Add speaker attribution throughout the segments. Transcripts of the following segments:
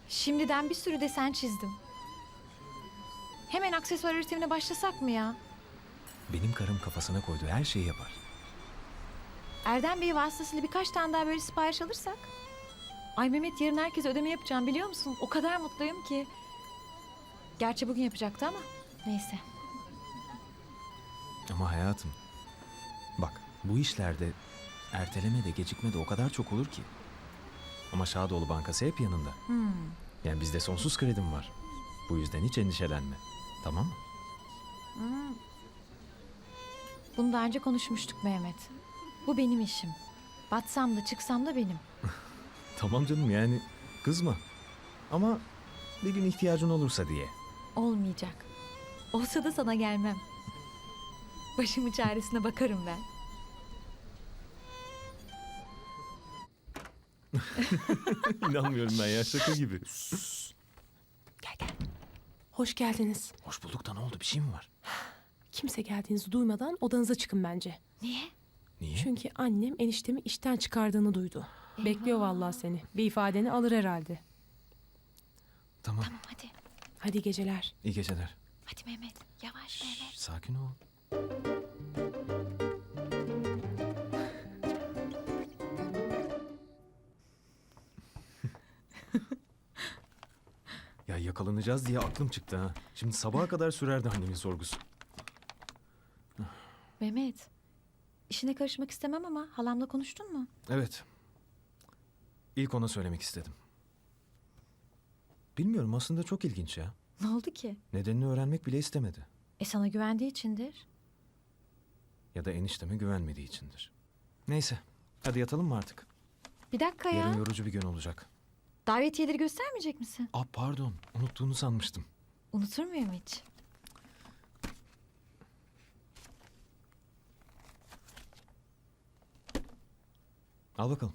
Speaker 1: Şimdiden bir sürü desen çizdim. Hemen aksesuar üretimine başlasak mı ya?
Speaker 2: Benim karım kafasına koyduğu her şeyi yapar.
Speaker 1: Erdem Bey vasıtasıyla birkaç tane daha böyle sipariş alırsak? Ay Mehmet, yarın herkese ödeme yapacağım biliyor musun? O kadar mutluyum ki. Gerçi bugün yapacaktı ama neyse.
Speaker 2: Ama hayatım, bak bu işlerde erteleme de gecikme de o kadar çok olur ki. Ama Şadoğlu Bankası hep yanında. Yani bizde sonsuz kredim var. Bu yüzden hiç endişelenme. Tamam mı?
Speaker 1: Bunu daha önce konuşmuştuk Mehmet. Bu benim işim. Batsam da çıksam da benim.
Speaker 2: Tamam canım, yani kızma. Ama bir gün ihtiyacın olursa diye.
Speaker 1: Olmayacak. Olsa da sana gelmem. Başımın çaresine bakarım ben.
Speaker 2: İnanmıyorum ben ya, şaka gibi.
Speaker 3: Gel gel. Hoş geldiniz.
Speaker 2: Hoş bulduk da ne oldu, bir şey mi var?
Speaker 3: Kimse geldiğinizi duymadan odanıza çıkın bence.
Speaker 1: Niye?
Speaker 2: Niye?
Speaker 3: Çünkü annem eniştemi işten çıkardığını duydu. Bekliyor vallahi seni. Bir ifadeni alır herhalde.
Speaker 2: Tamam.
Speaker 1: Tamam hadi.
Speaker 3: Hadi geceler.
Speaker 2: İyi geceler.
Speaker 1: Hadi Mehmet. Yavaş Mehmet.
Speaker 2: Sakin ol. Ya yakalanacağız diye aklım çıktı ha. Şimdi sabaha kadar sürerdi annemin sorgusu.
Speaker 1: Mehmet. İşine karışmak istemem ama halamla konuştun mu?
Speaker 2: Evet. İlk ona söylemek istedim. Bilmiyorum, aslında çok ilginç ya.
Speaker 1: Ne oldu ki?
Speaker 2: Nedenini öğrenmek bile istemedi.
Speaker 1: Sana güvendiği içindir.
Speaker 2: Ya da enişteme güvenmediği içindir. Neyse, hadi yatalım mı artık?
Speaker 1: Bir dakika ya.
Speaker 2: Yarın yorucu bir gün olacak.
Speaker 1: Davetiyeleri göstermeyecek misin?
Speaker 2: Pardon, unuttuğunu sanmıştım.
Speaker 1: Unutur muyum hiç?
Speaker 2: Al bakalım.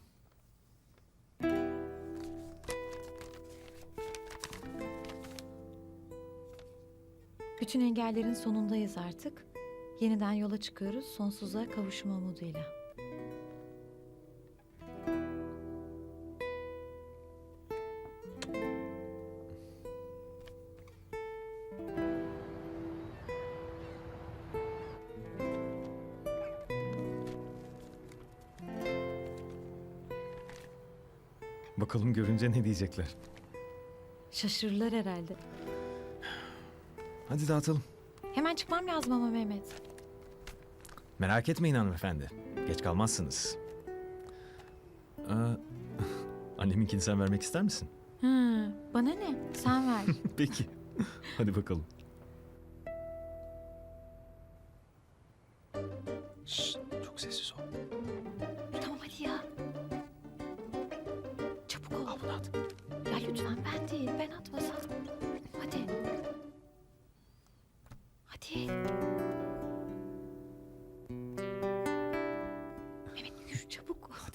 Speaker 1: Bütün engellerin sonundayız artık. Yeniden yola çıkıyoruz sonsuza kavuşma umuduyla.
Speaker 2: Bakalım görünce ne diyecekler.
Speaker 1: Şaşırırlar herhalde.
Speaker 2: Hadi dağıtalım.
Speaker 1: Hemen çıkmam lazım ama Mehmet.
Speaker 2: Merak etmeyin hanımefendi. Geç kalmazsınız. Anneminkini sen vermek ister misin?
Speaker 1: Bana ne? Sen ver.
Speaker 2: Peki. Hadi bakalım. Şşt, çok sessiz ol.
Speaker 1: Tamam hadi ya. Çabuk ol.
Speaker 2: Al bunu at.
Speaker 1: Ya lütfen ben değil. Ben atmasam. Hadi. Hadi. Mehmet yürü çabuk.
Speaker 2: Hadi.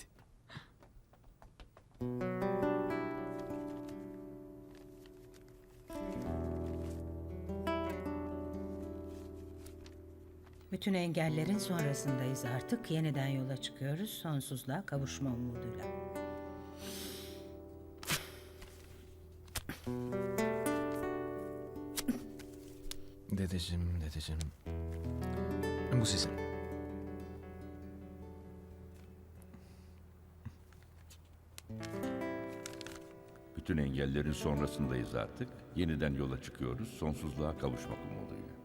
Speaker 4: Bütün engellerin sonrasındayız artık. Yeniden yola çıkıyoruz. Sonsuzluğa kavuşma umuduyla.
Speaker 2: Dedeciğim. Bu sizin.
Speaker 5: Bütün engellerin sonrasındayız artık. Yeniden yola çıkıyoruz. Sonsuzluğa kavuşmak umuduyla.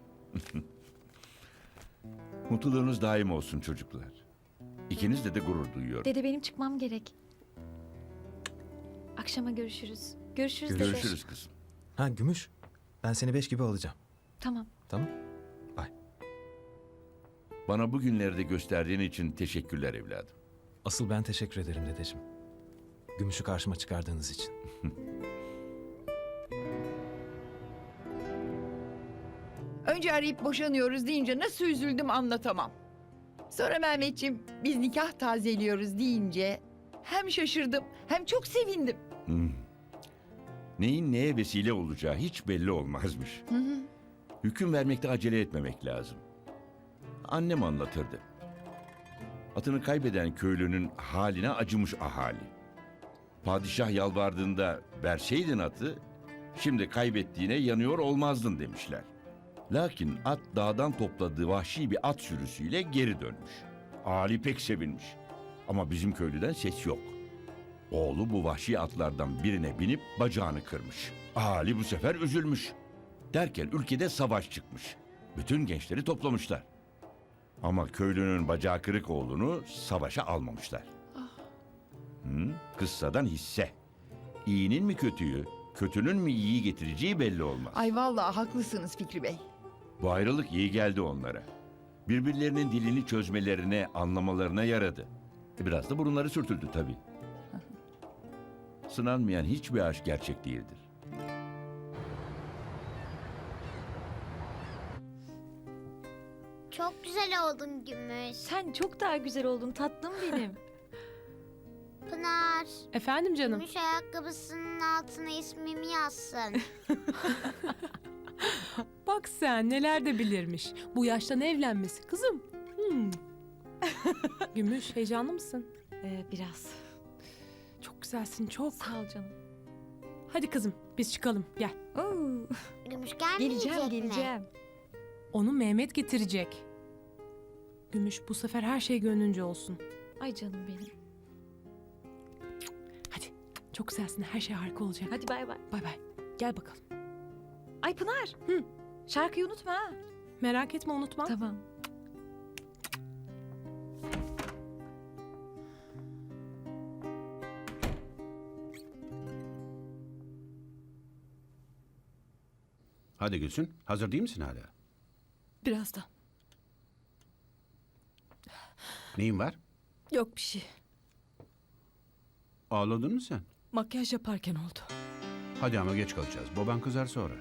Speaker 5: Mutluluğunuz daim olsun çocuklar. İkinizle de gurur duyuyorum.
Speaker 1: Dede benim çıkmam gerek. Akşama görüşürüz. Görüşürüz dede.
Speaker 5: Görüşürüz kızım.
Speaker 2: Ha Gümüş. Ben seni 5 gibi alacağım.
Speaker 1: Tamam.
Speaker 2: Tamam. Bye.
Speaker 5: Bana bu günlerde gösterdiğin için teşekkürler evladım.
Speaker 2: Asıl ben teşekkür ederim dedeciğim. Gümüş'ü karşıma çıkardığınız için.
Speaker 6: Önce arayıp boşanıyoruz deyince nasıl üzüldüm anlatamam. Sonra Mehmetciğim biz nikah tazeliyoruz deyince hem şaşırdım hem çok sevindim.
Speaker 5: Neyin neye vesile olacağı hiç belli olmazmış. Hüküm vermekte acele etmemek lazım. Annem anlatırdı. Atını kaybeden köylünün haline acımış ahali. Padişah yalvardığında verseydin atı, şimdi kaybettiğine yanıyor olmazdın demişler. Lakin at dağdan topladığı vahşi bir at sürüsüyle geri dönmüş. Ali pek sevinmiş. Ama bizim köylüden ses yok. Oğlu bu vahşi atlardan birine binip bacağını kırmış. Ali bu sefer üzülmüş. Derken ülkede savaş çıkmış. Bütün gençleri toplamışlar. Ama köylünün bacağı kırık oğlunu savaşa almamışlar. Kıssadan hisse. İyinin mi kötüyü, kötünün mü iyiyi getireceği belli olmaz.
Speaker 6: Ay vallahi haklısınız Fikri Bey.
Speaker 5: Bu ayrılık iyi geldi onlara. Birbirlerinin dilini çözmelerine, anlamalarına yaradı. Biraz da burunları sürtüldü tabii. Sınanmayan hiçbir aşk gerçek değildir.
Speaker 7: Çok güzel oldun Gümüş.
Speaker 1: Sen çok daha güzel oldun tatlım benim.
Speaker 7: Pınar,
Speaker 3: Efendim canım.
Speaker 7: Gümüş ayakkabısının altına ismimi yazsın.
Speaker 3: Bak sen neler de bilirmiş. Bu yaştan evlenmesi kızım. Gümüş heyecanlı mısın?
Speaker 1: Biraz.
Speaker 3: Çok güzelsin çok.
Speaker 1: Sağ ol canım.
Speaker 3: Hadi kızım biz çıkalım gel.
Speaker 1: Oo,
Speaker 7: Gümüş gelmeyecek mi?
Speaker 1: geleceğim.
Speaker 3: Onu Mehmet getirecek. Gümüş bu sefer her şey gönlünce olsun.
Speaker 1: Ay canım benim.
Speaker 3: Hadi çok güzelsin her şey harika olacak.
Speaker 1: Hadi bay bay.
Speaker 3: Bay bay. Gel bakalım.
Speaker 1: Ay Pınar.
Speaker 3: Hı.
Speaker 1: Şarkıyı unutma ha.
Speaker 3: Merak etme unutma.
Speaker 1: Tamam.
Speaker 8: Hadi Gülsün, hazır değil misin hala?
Speaker 9: Birazdan.
Speaker 8: Neyin var?
Speaker 9: Yok bir şey.
Speaker 8: Ağladın mı sen?
Speaker 9: Makyaj yaparken oldu.
Speaker 8: Hadi ama geç kalacağız. Baban kızar sonra.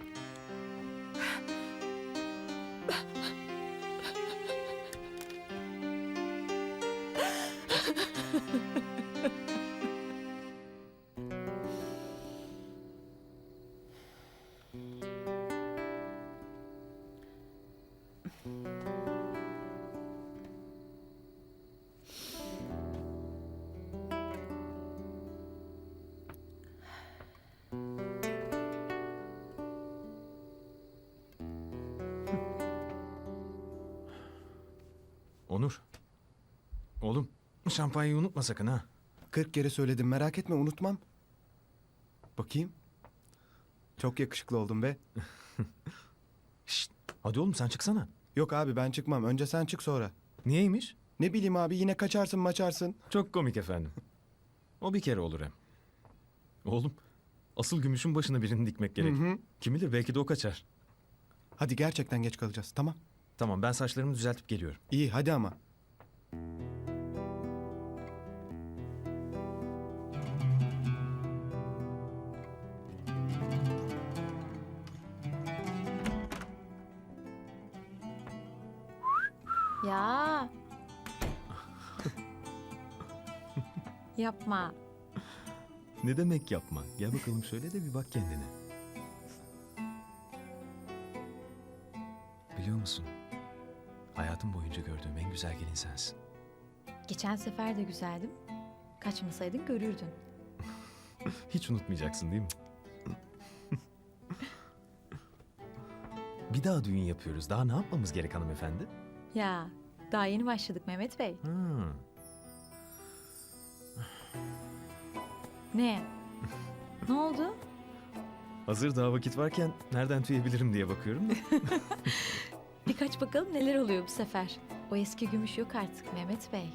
Speaker 2: Onur. Oğlum şampanyayı unutma sakın ha.
Speaker 10: 40 kere söyledim merak etme unutmam. Bakayım. Çok yakışıklı oldun be.
Speaker 2: Şşt, hadi oğlum sen çıksana.
Speaker 10: Yok abi ben çıkmam. Önce sen çık sonra.
Speaker 2: Niyeymiş?
Speaker 10: Ne bileyim abi yine kaçarsın maçarsın.
Speaker 2: Çok komik efendim. O bir kere olur hem. Oğlum asıl gümüşün başına birini dikmek gerek.
Speaker 10: Hı hı.
Speaker 2: Kim bilir belki de o kaçar.
Speaker 10: Hadi gerçekten geç kalacağız tamam.
Speaker 2: Tamam ben saçlarımı düzeltip geliyorum.
Speaker 10: İyi hadi ama.
Speaker 1: Ya. Yapma.
Speaker 2: Ne demek yapma? Gel bakalım şöyle de bir bak kendine. Biliyor musun? Hayatım boyunca gördüğüm en güzel gelin sensin.
Speaker 1: Geçen sefer de güzeldim. Kaçmasaydın görürdün.
Speaker 2: Hiç unutmayacaksın değil mi? Bir daha düğün yapıyoruz. Daha ne yapmamız gerek hanımefendi?
Speaker 1: Ya daha yeni başladık Mehmet Bey.
Speaker 2: Hmm.
Speaker 1: Ne? Ne oldu?
Speaker 2: Hazır daha vakit varken nereden tüyebilirim diye bakıyorum da.
Speaker 1: Birkaç bakalım neler oluyor bu sefer. O eski gümüş yok artık Mehmet Bey.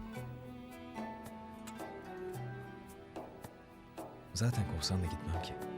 Speaker 2: Zaten kovsan da gitmem ki.